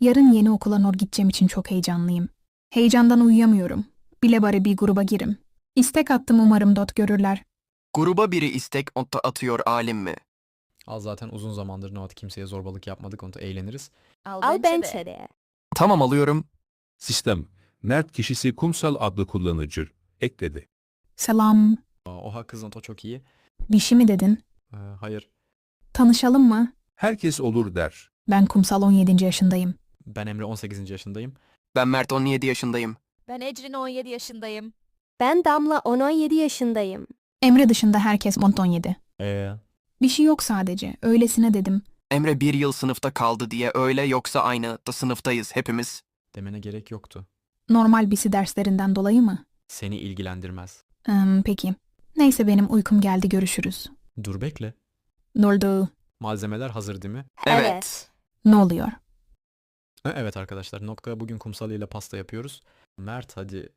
Yarın yeni okula gideceğim için çok heyecanlıyım. Heyecandan uyuyamıyorum. Bile bari bir gruba girim. İstek attım, umarım dot görürler. Gruba biri istek atıyor alim mi? Al, zaten uzun zamandır Noat kimseye zorbalık yapmadık, onu da eğleniriz. Al bence de. Tamam, alıyorum. Sistem, Mert kişisi Kumsal adlı kullanıcı ekledi. Selam. Oha kız, o çok iyi. Bir şey mi dedin? Hayır, Tanışalım mı? Herkes olur der. Ben Kumsal, 17. yaşındayım. ben Emre, 18. yaşındayım. Ben Mert, 17 yaşındayım. Ben Ecrin 17 yaşındayım. Ben Damla 17 yaşındayım. Emre dışında herkes 17. Eee Bir şey yok sadece. Öylesine dedim. Emre bir yıl sınıfta kaldı diye öyle, yoksa aynı da sınıftayız hepimiz. demene gerek yoktu. Normal bisi derslerinden dolayı mı? Seni ilgilendirmez. Peki. Neyse, benim uykum geldi, görüşürüz. Dur, bekle. Ne oldu? Malzemeler hazır değil mi? Evet. Ne oluyor? Evet arkadaşlar, Nokta bugün kumsal ile pasta yapıyoruz. Mert hadi.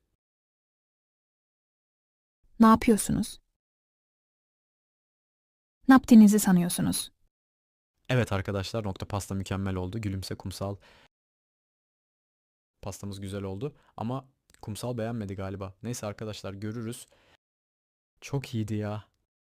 Ne yapıyorsunuz? Ne yaptığınızı sanıyorsunuz? Evet arkadaşlar, Nokta pasta mükemmel oldu. Gülümse kumsal. Pastamız güzel oldu ama kumsal beğenmedi galiba. Neyse arkadaşlar, görürüz. Çok iyiydi ya.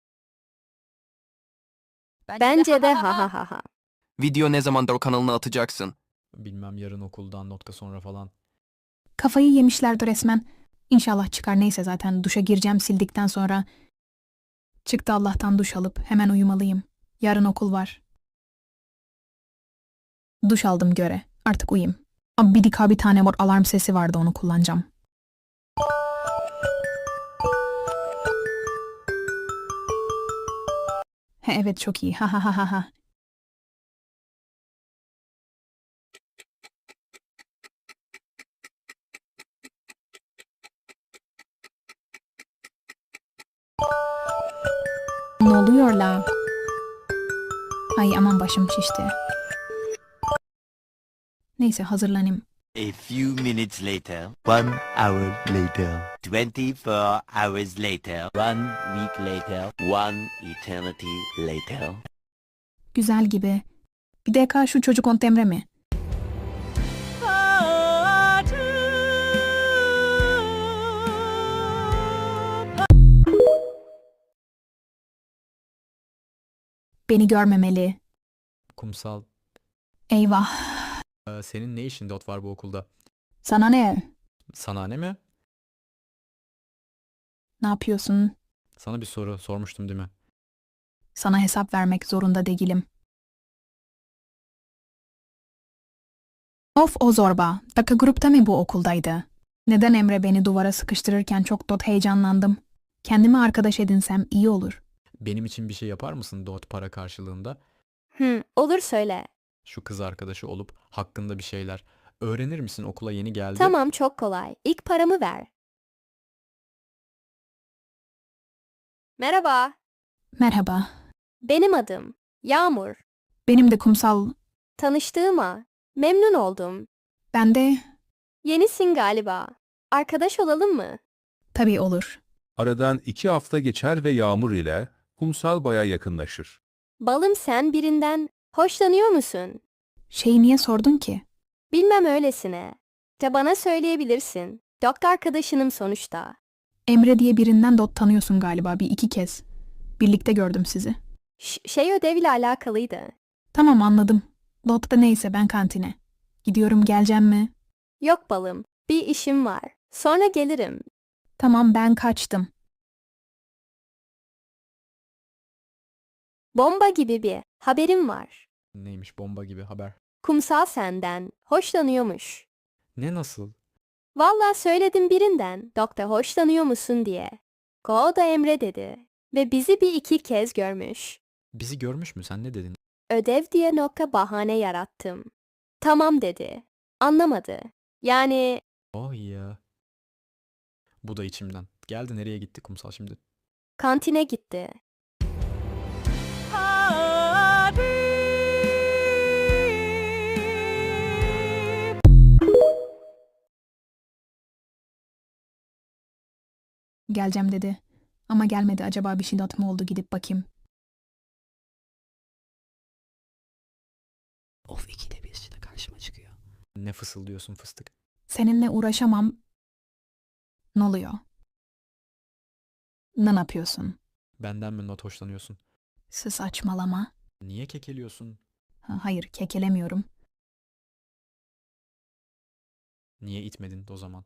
Bence de ha ha ha ha. Video ne zamandır o kanalına atacaksın? Bilmem, yarın okuldan, Nokta sonra falan. Kafayı yemişlerdi resmen. İnşallah çıkar, neyse zaten duşa gireceğim sildikten sonra. Çıktı Allah'tan, duş alıp hemen uyumalıyım. Yarın okul var. Duş aldım göre. Artık uyuyayım. Ama bir tane var, alarm sesi vardı, onu kullanacağım. He, evet, çok iyi. Ha ha ha ha ha. Ne oluyor la? Ay aman, başım şişti. Neyse, hazırlanayım. A few minutes later, 1 hour later, 24 hours later, 1 week later, 1 eternity later. Güzel gibi. Bir dakika, şu çocuk Emre mi? Beni görmemeli. Kumsal, Eyvah. senin ne işin Dot var bu okulda? Sana ne? Sana ne mi? Ne yapıyorsun? Sana bir soru sormuştum değil mi? Sana hesap vermek zorunda değilim. Of, o zorba. Daka grupta mı bu okuldaydı? Neden Emre beni duvara sıkıştırırken çok heyecanlandım. Kendimi arkadaş edinsem iyi olur. Benim için bir şey yapar mısın Dot para karşılığında? Olur söyle. Şu kız arkadaşı olup hakkında bir şeyler. Öğrenir misin, okula yeni geldi? Tamam, çok kolay. İlk paramı ver. Merhaba. Merhaba. Benim adım Yağmur. Benim de Kumsal. Tanıştığıma memnun oldum. Ben de... Yenisin galiba. Arkadaş olalım mı? Tabii olur. Aradan 2 hafta geçer ve Yağmur ile Kumsal baya yakınlaşır. Balım, sen birinden hoşlanıyor musun? Şeyi niye sordun ki? Bilmem, öylesine. De bana söyleyebilirsin. Doktor arkadaşınım sonuçta. Emre diye birinden tanıyorsun galiba, bir iki kez. Birlikte gördüm sizi. Şey, ödevle alakalıydı. Tamam, anladım. Da neyse, ben kantine. Gidiyorum, geleceğim mi? Yok balım, bir işim var. Sonra gelirim. Tamam, ben kaçtım. Bomba gibi bir haberim var. Neymiş bomba gibi haber? Kumsal senden hoşlanıyormuş. Ne, nasıl? Vallahi söyledim birinden, doktor hoşlanıyor musun diye. O da Emre dedi. Ve bizi bir iki kez görmüş. Bizi görmüş mü, sen ne dedin? Ödev diye bahane yarattım. Tamam dedi. Anlamadı. Yani Oh ya. Bu da içimden. Geldi, nereye gitti kumsal şimdi? kantine gitti. Geleceğim dedi. Ama gelmedi. Acaba bir şey mı oldu, gidip bakayım. Of, ikide bir işte karşıma çıkıyor. Ne fısıldıyorsun fıstık? Seninle uğraşamam. Ne oluyor? Ne yapıyorsun? Benden mi not hoşlanıyorsun? Saçmalama. Niye kekeliyorsun? Hayır, kekelemiyorum. Niye itmedin o zaman?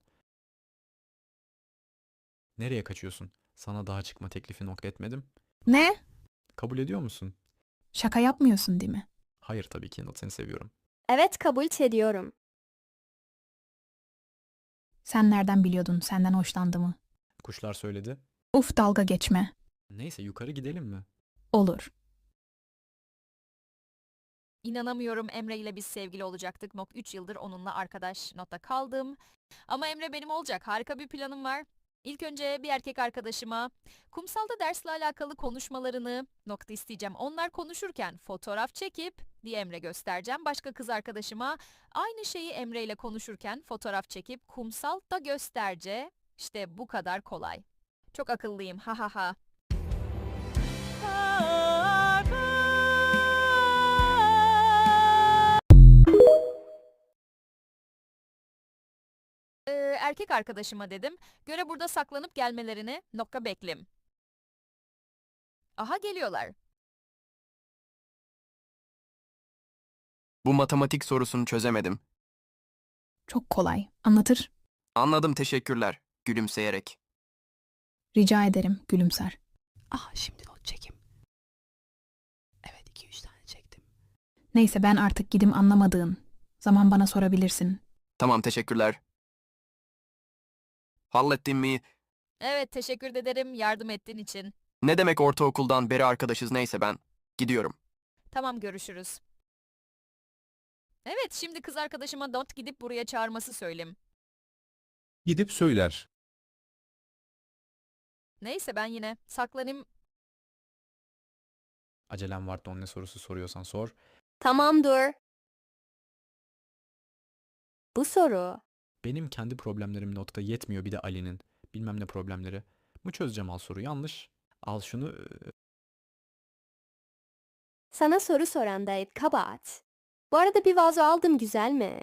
Nereye kaçıyorsun? Sana daha çıkma teklifi nokta etmedim. Ne? Kabul ediyor musun? Şaka yapmıyorsun değil mi? Hayır tabii ki not, seni seviyorum. Evet, kabul ediyorum. Sen nereden biliyordun senden hoşlandığımı? Kuşlar söyledi. Uf, dalga geçme. Neyse yukarı gidelim mi? Olur. İnanamıyorum, Emre ile biz sevgili olacaktık. 3 yıldır onunla arkadaş notta kaldım. Ama Emre benim olacak. Harika bir planım var. İlk önce bir erkek arkadaşıma kumsalda dersle alakalı konuşmalarını nokta isteyeceğim. Onlar konuşurken fotoğraf çekip diye Emre göstereceğim. Başka kız arkadaşıma aynı şeyi Emre ile konuşurken fotoğraf çekip kumsalda göstereceğim. İşte bu kadar kolay. Çok akıllıyım. Ha ha ha. Erkek arkadaşıma dedim. Göre burada saklanıp gelmelerini nokta beklim. Aha, geliyorlar. Bu matematik sorusunu çözemedim. Çok kolay. Anlatır. Anladım, teşekkürler. Gülümseyerek. Rica ederim, gülümser. Şimdi not çekeyim. Evet 2-3 tane çektim. Neyse, ben artık gidim, anlamadığın zaman bana sorabilirsin. Tamam, teşekkürler. Hallettin mi? Evet, teşekkür ederim yardım ettiğin için. Ne demek, ortaokuldan beri arkadaşız, neyse ben gidiyorum. Tamam, görüşürüz. Evet, şimdi kız arkadaşıma not gidip buraya çağırması söyleyeyim. Gidip söyler. Neyse, ben yine saklanayım. Acelem var, don ne sorusu soruyorsan sor. Tamam, dur. Bu soru. Benim kendi problemlerim notta yetmiyor bir de Ali'nin. Bilmem ne problemleri. Bu çözeceğim, al soru yanlış. Al şunu. Sana soru soran da kabahat. Bu arada bir vazo aldım, güzel mi?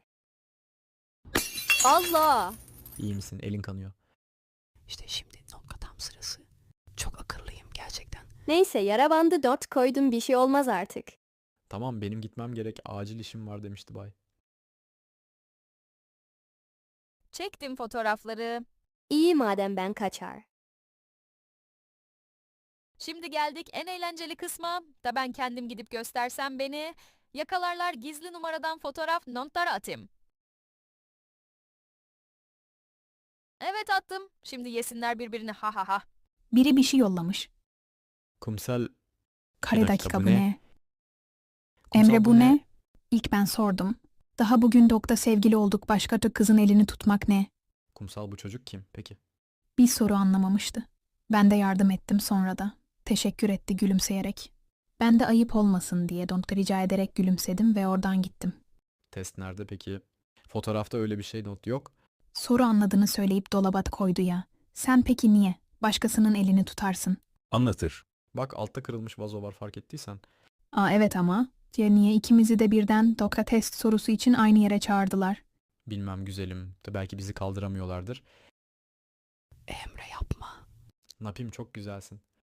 Allah! İyi misin? Elin kanıyor. İşte şimdi nokta tam sırası. Çok akıllıyım gerçekten. Neyse, yara bandı not koydum, bir şey olmaz artık. Tamam, benim gitmem gerek. Acil işim var demişti bay. Çektim fotoğrafları. İyi madem, ben kaçar. Şimdi geldik en eğlenceli kısma. Da ben kendim gidip göstersem beni yakalarlar, gizli numaradan fotoğraf notlara atayım. Evet, attım. Şimdi yesinler birbirini, ha ha ha. Biri bir şey yollamış. Kumsal. Kare dakika, dakika bu bu ne? ne? Kumsal, Emre bu ne? İlk ben sordum. Daha bugün dokta sevgili olduk, başka kızın elini tutmak ne? Kumsal, bu çocuk kim peki? Bir soru anlamamıştı. Ben de yardım ettim sonra da. Teşekkür etti gülümseyerek. Ben de ayıp olmasın diye Donk'ta rica ederek gülümsedim ve oradan gittim. Test nerede peki? Fotoğrafta öyle bir şey not yok. Soru anladığını söyleyip dolaba koydu ya. Sen peki niye? Başkasının elini tutarsın. Anlatır. Bak, altta kırılmış vazo var, fark ettiysen. Evet ama. Ya niye ikimizi de birden Dokka test sorusu için aynı yere çağırdılar? Bilmem güzelim. De belki bizi kaldıramıyorlardır. Emre yapma. Ne yapayım, çok güzelsin.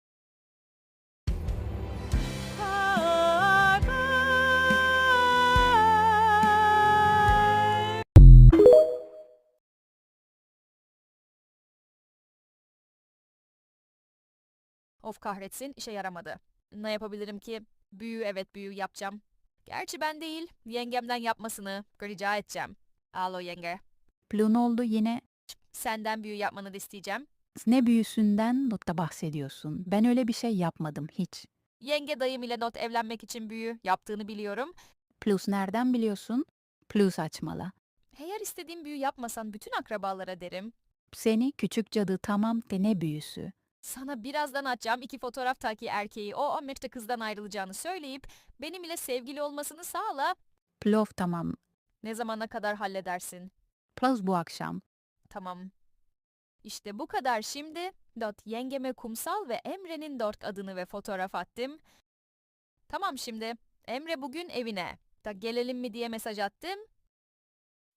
Of, kahretsin, işe yaramadı. Ne yapabilirim ki? Büyü, evet büyü yapacağım. Gerçi ben değil, yengemden yapmasını rica edeceğim. Alo yenge. Plun oldu yine. Senden büyü yapmanı da isteyeceğim. Ne büyüsünden notta bahsediyorsun? Ben öyle bir şey yapmadım hiç. Yenge dayım ile not evlenmek için büyü yaptığını biliyorum. Plus nereden biliyorsun? Plus açmala. Eğer istediğim büyü yapmasan bütün akrabalara derim. Seni küçük cadı tamam de ne büyüsü? Sana birazdan atacağım 2 fotoğraftaki erkeği o Amerika kızdan ayrılacağını söyleyip benim ile sevgili olmasını sağla. Plov tamam. Ne zamana kadar halledersin? Plus bu akşam. Tamam. İşte bu kadar şimdi. Yengeme Kumsal ve Emre'nin adını ve fotoğraf attım. Tamam şimdi. Emre bugün evine. Gelelim mi diye mesaj attım.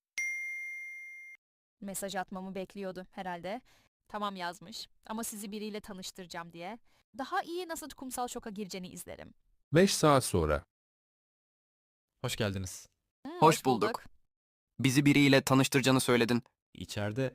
Mesaj atmamı bekliyordu herhalde. Tamam yazmış ama sizi biriyle tanıştıracağım diye. Daha iyi nasıl kumsal şoka gireceğini izlerim. 5 saat sonra. Hoş geldiniz. Hoş bulduk. Bizi biriyle tanıştıracağını söyledin. İçeride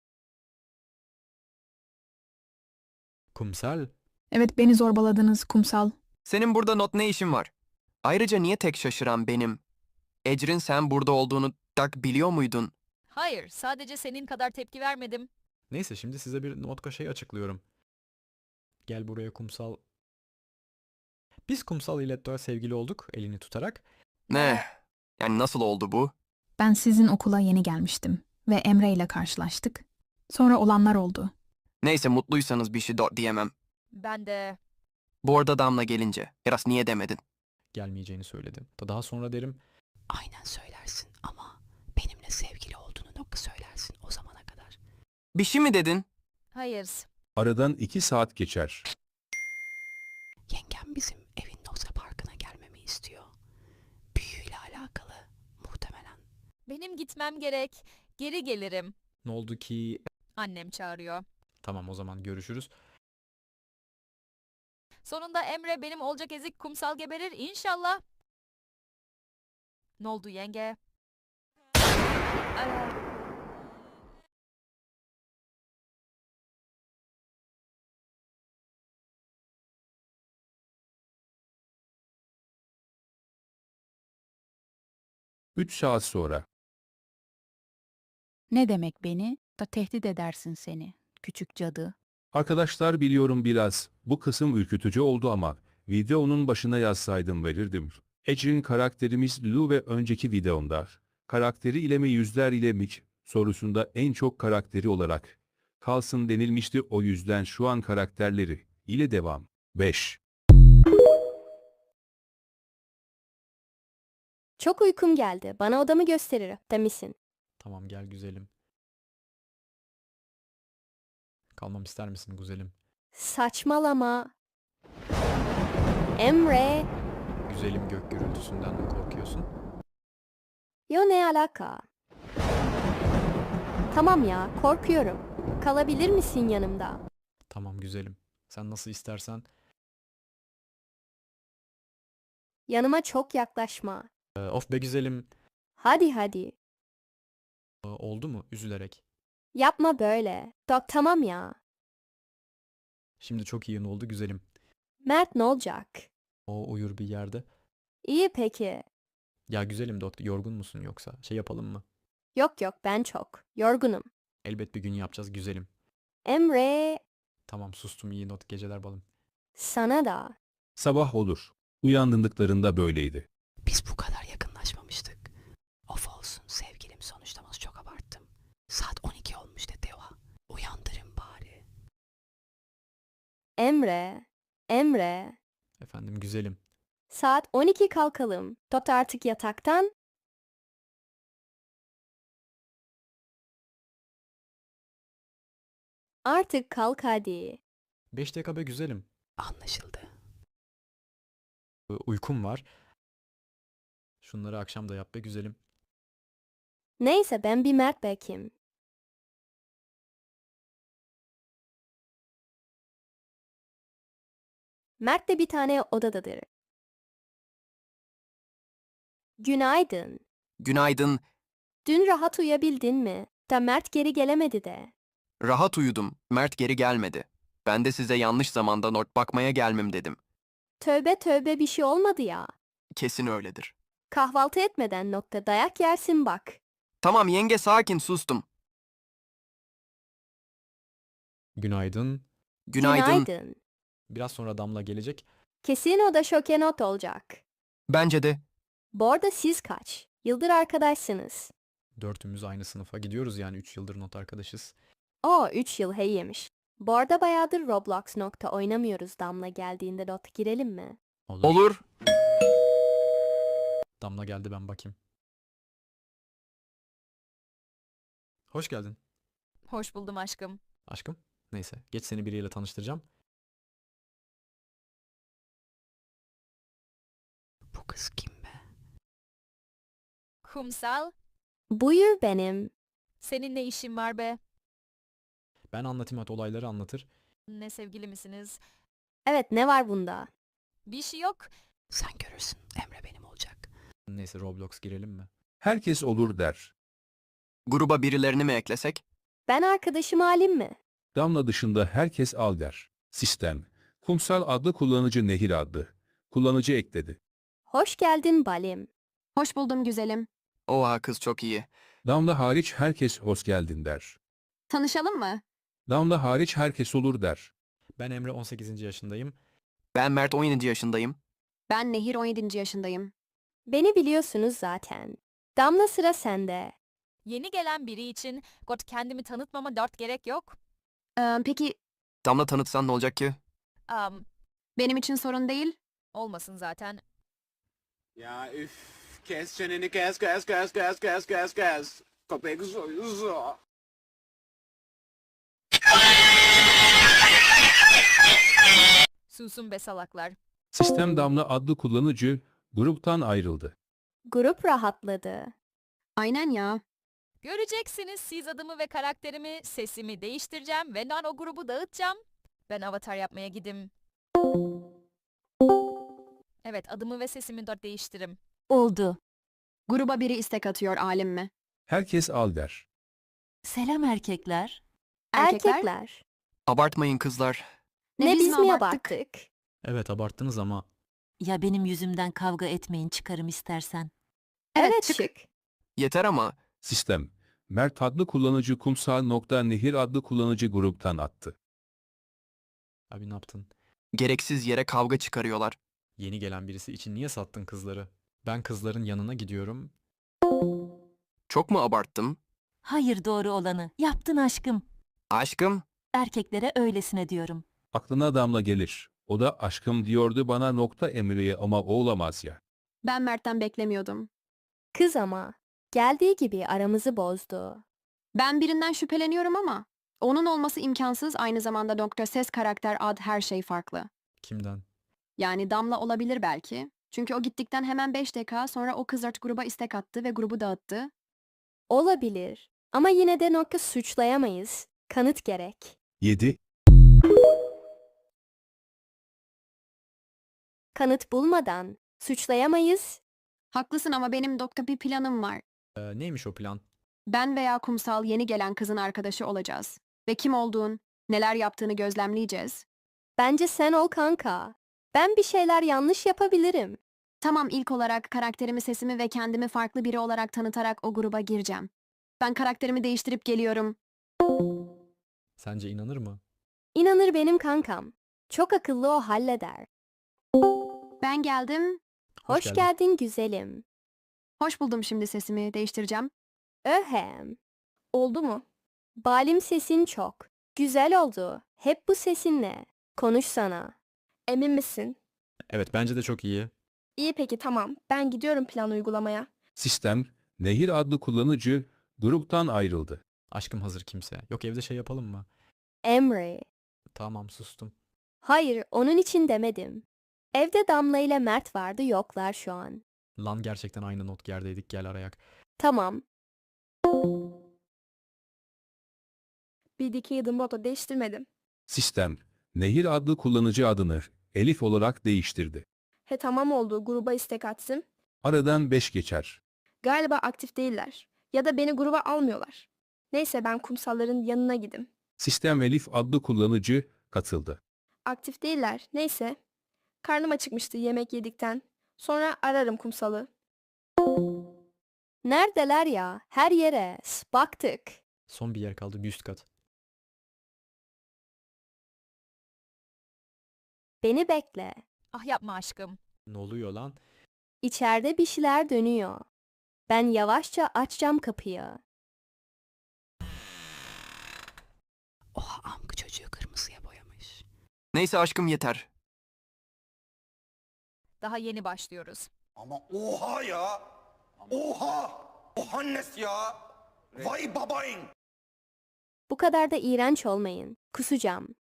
Kumsal, Evet, beni zorbaladınız kumsal. Senin burada not ne işin var? Ayrıca niye tek şaşıran benim? Ecrin sen burada olduğunu biliyor muydun? Hayır, sadece senin kadar tepki vermedim. neyse şimdi size bir notka şey açıklıyorum. Gel buraya Kumsal. Biz Kumsal ile daha sevgili olduk elini tutarak. Ne? Yani nasıl oldu bu? Ben sizin okula yeni gelmiştim ve Emre ile karşılaştık. Sonra olanlar oldu. Neyse mutluysanız bir şey diyemem. Ben de... Bu arada Damla gelince. Eras niye demedin? Gelmeyeceğini söyledim. Daha sonra derim Aynen söylersin ama benimle sevgili olduğunu nokta söylersin o zamana kadar. Bir şey mi dedin? Hayır. Aradan 2 saat geçer. Yengem bizim evin nokta parkına gelmemi istiyor. Büyüyle alakalı muhtemelen. Benim gitmem gerek. Geri gelirim. ne oldu ki? Annem çağırıyor. Tamam o zaman görüşürüz. Sonunda Emre benim olacak ezik kumsal geberir inşallah. Ne oldu yenge? Aa, 3 saat sonra. Ne demek beni? Da tehdit edersin seni. Küçük cadı. Arkadaşlar biliyorum biraz. Bu kısım ürkütücü oldu ama videonun başına yazsaydım verirdim. Ecrin karakterimiz Lu ve önceki videomda karakteri ile mi yüzler ile mi sorusunda en çok karakteri olarak kalsın denilmişti, o yüzden şu an karakterleri ile devam. 5. Çok uykum geldi. Bana odamı gösterir demişsin. Tamam gel güzelim. Kalmam ister misin güzelim? Saçmalama. Emre. Güzelim gök gürültüsünden mi korkuyorsun? Yo, ne alaka? Tamam ya, korkuyorum. Kalabilir misin yanımda? Tamam güzelim. Sen nasıl istersen. Yanıma çok yaklaşma. Of be güzelim. Hadi hadi. Oldu mu? Üzülerek. Yapma böyle. Tamam ya. Şimdi çok iyi oldu güzelim. Mert ne olacak? O uyur bir yerde. İyi peki. Ya güzelim doktor, yorgun musun yoksa? Şey yapalım mı? Yok yok, ben çok. Yorgunum. Elbet bir gün yapacağız güzelim. Emre. Tamam sustum, iyi not geceler balım. Sana da. Sabah olur. Uyandırdıklarında böyleydi. Biz bu kadar yakınlaşmamıştık. Of olsun sevgilim, sonuçta çok abarttım. Saat 12 olmuş dedi o. Uyandırın bari. Emre. Emre. Efendim güzelim. Saat 12, kalkalım. Tot artık yataktan. Artık kalk hadi. 5 dakika be güzelim. Anlaşıldı. Uykum var. Şunları akşam da yap be güzelim. Neyse, ben bir Mert bakayım. Mert de bir tane odadadır. Günaydın. Günaydın. Dün rahat uyuyabildin mi? Da Mert geri gelemedi de. Rahat uyudum. Mert geri gelmedi. Ben de size yanlış zamanda not bakmaya gelmem dedim. Tövbe tövbe, bir şey olmadı ya. Kesin öyledir. Kahvaltı etmeden nokta dayak yersin bak. Tamam yenge sakin sustum. Günaydın. Günaydın. Biraz sonra Damla gelecek. Kesin o da şoke not olacak. Bence de. Bu arada siz kaç yıldır arkadaşsınız? Dörtümüz aynı sınıfa gidiyoruz, yani 3 yıldır not arkadaşız. O 3 yıl heyyemiş. Bu arada bayağıdır Roblox nokta oynamıyoruz. Damla geldiğinde not girelim mi? Olur. Damla geldi, ben bakayım. Hoş geldin. Hoş buldum aşkım. Aşkım. Neyse geç, seni biriyle tanıştıracağım. Bu kız kim be? Kumsal, Buyur benim. Senin ne işin var be? Ben anlatayım, hadi olayları anlatır. Ne sevgili misiniz? Evet, ne var bunda? Bir şey yok. Sen görürsün, Emre benim olacak. Neyse, Roblox girelim mi? Herkes olur der. Gruba birilerini mi eklesek? Ben arkadaşımı alayım mı? Damla dışında herkes al der. Sistem. Kumsal adlı kullanıcı Nehir adlı kullanıcı ekledi. Hoş geldin Balim. Hoş buldum güzelim. Oha kız çok iyi. Damla hariç herkes hoş geldin der. Tanışalım mı? Damla hariç herkes olur der. Ben Emre, 18. yaşındayım. Ben Mert 17 yaşındayım. Ben Nehir 17. yaşındayım. Beni biliyorsunuz zaten. Damla, sıra sende. Yeni gelen biri için kendimi tanıtmama dert gerek yok. Peki Damla tanıtsan ne olacak ki? Am, benim için sorun değil. olmasın zaten. Ya üf, kes çeneni, kes. Köpek soyuzu. Susun be salaklar. Sistem Damla adlı kullanıcı gruptan ayrıldı. Grup rahatladı. Aynen ya. Göreceksiniz, siz adımı ve karakterimi, sesimi değiştireceğim ve o grubu dağıtacağım. Ben avatar yapmaya gidim. Evet, adımı ve sesimi de değiştirim. Oldu. Gruba biri istek atıyor alim mi? Herkes al der. Selam erkekler. Erkekler. Abartmayın kızlar. Ne biz biz mi mi abarttık? abarttık? Evet, abarttınız ama Ya benim yüzümden kavga etmeyin, çıkarım istersen. Evet, çık. çık. Yeter ama. Sistem. Mert adlı kullanıcı Kumsal.Nehir adlı kullanıcı gruptan attı. abi ne yaptın? Gereksiz yere kavga çıkarıyorlar. Yeni gelen birisi için niye sattın kızları? Ben kızların yanına gidiyorum. Çok mu abarttım? Hayır, doğru olanı. Yaptın aşkım. Aşkım, Erkeklere öylesine diyorum. Aklına Damla gelir. O da aşkım diyordu bana Emre'ye ama o olamaz ya. Ben Mert'ten beklemiyordum. Kız ama. Geldiği gibi aramızı bozdu. Ben birinden şüpheleniyorum ama onun olması imkansız, aynı zamanda Doktor Ses, karakter, ad, her şey farklı. Kimden? Yani Damla olabilir belki. Çünkü o gittikten hemen 5 dakika sonra o kız artık gruba istek attı ve grubu dağıttı. Olabilir. Ama yine de nokta suçlayamayız. Kanıt gerek. 7. Kanıt bulmadan suçlayamayız. Haklısın ama benim Doktor bir planım var. Neymiş o plan? Ben veya Kumsal yeni gelen kızın arkadaşı olacağız. Ve kim olduğun, neler yaptığını gözlemleyeceğiz. Bence sen ol kanka. Ben bir şeyler yanlış yapabilirim. Tamam, ilk olarak karakterimi, sesimi ve kendimi farklı biri olarak tanıtarak o gruba gireceğim. Ben karakterimi değiştirip geliyorum. Sence inanır mı? İnanır benim kankam. Çok akıllı, o halleder. Ben geldim. Hoş geldin. geldin güzelim. Hoş buldum, şimdi sesimi değiştireceğim. Öhem. Oldu mu? Balim, sesin çok. Güzel oldu. Hep bu sesinle. Konuşsana. Emin misin? Evet, bence de çok iyi. İyi, peki, tamam. Ben gidiyorum plan uygulamaya. Sistem. Nehir adlı kullanıcı gruptan ayrıldı. Aşkım hazır kimse. Yok, evde şey yapalım mı? Emre. Tamam, sustum. Hayır, onun için demedim. Evde Damla ile Mert vardı, yoklar şu an. Lan gerçekten aynı not yerdeydik, gel arayak. Tamam. Bir dikey adım boto değiştirmedim. Sistem. Nehir adlı kullanıcı adını Elif olarak değiştirdi. He, tamam oldu. Gruba istek atsın. Aradan 5 geçer. Galiba aktif değiller. Ya da beni gruba almıyorlar. Neyse, ben kumsalların yanına gidim. Sistem Elif adlı kullanıcı katıldı. Aktif değiller. Neyse. Karnım acıkmıştı yemek yedikten. Sonra ararım kumsalı. Neredeler ya? Her yere. Baktık. Son bir yer kaldı, bir üst kat. Beni bekle. Ah yapma aşkım. Ne oluyor lan? İçeride bir şeyler dönüyor. Ben yavaşça açacağım kapıyı. Oha, amk çocuğu kırmızıya boyamış. neyse aşkım yeter. Daha yeni başlıyoruz. Ama oha ya! Oha! Ohannes ya! Vay babayın! Bu kadar da iğrenç olmayın. Kusacağım.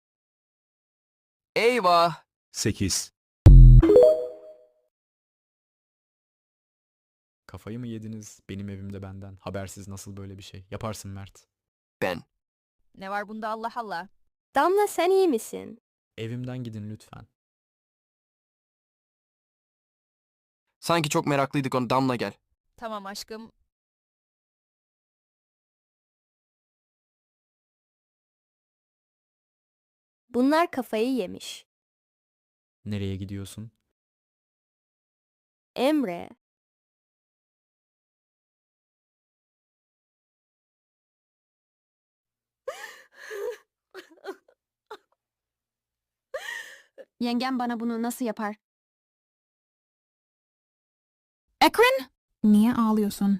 Eyvah! 8. Kafayı mı yediniz? Benim evimde benden. Habersiz nasıl böyle bir şey? Yaparsın Mert. Ben. Ne var bunda Allah Allah. Damla sen iyi misin? Evimden gidin lütfen. Sanki çok meraklıydık onu. Damla gel. Tamam aşkım. Bunlar kafayı yemiş. Nereye gidiyorsun? Emre, Yengem bana bunu nasıl yapar? Ekrin! Niye ağlıyorsun?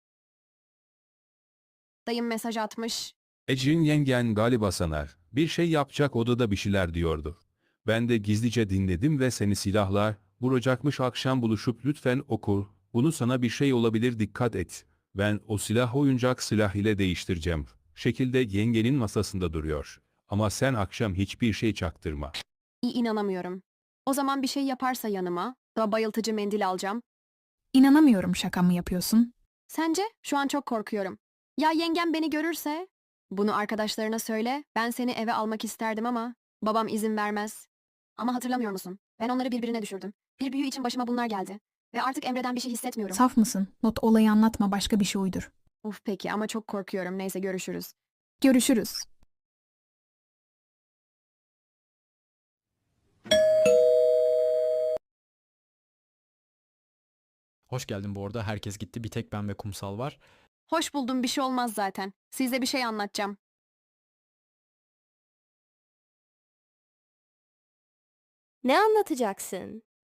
Dayım mesaj atmış. Ecrin yengen galiba sanar. Bir şey yapacak odada bir şeyler diyordu. Ben de gizlice dinledim ve seni silahlar, vuracakmış akşam buluşup lütfen oku. Bunu sana bir şey olabilir dikkat et. Ben o silah oyuncak silah ile değiştireceğim. Şekilde yengenin masasında duruyor. Ama sen akşam hiçbir şey çaktırma. İnanamıyorum. O zaman bir şey yaparsa yanıma, da bayıltıcı mendil alacağım. İnanamıyorum, şaka mı yapıyorsun? Sence? Şu an çok korkuyorum. Ya yengem beni görürse? Bunu arkadaşlarına söyle, ben seni eve almak isterdim ama babam izin vermez. Ama hatırlamıyor musun? Ben onları birbirine düşürdüm. Bir büyü için başıma bunlar geldi. Ve artık Emre'den bir şey hissetmiyorum. Saf mısın? Not olayı anlatma, başka bir şey uydur. Uf peki ama çok korkuyorum. Neyse görüşürüz. Görüşürüz. Hoş geldin bu arada. Herkes gitti. Bir tek ben ve Kumsal var. Hoş buldum, bir şey olmaz zaten. Size bir şey anlatacağım. ne anlatacaksın?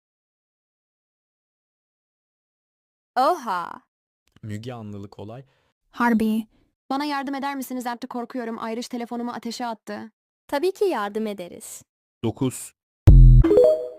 Oha, Müge Anlılık olay. Harbi. Bana yardım eder misiniz? Artık korkuyorum. Ayrış telefonumu ateşe attı. tabii ki yardım ederiz. 9.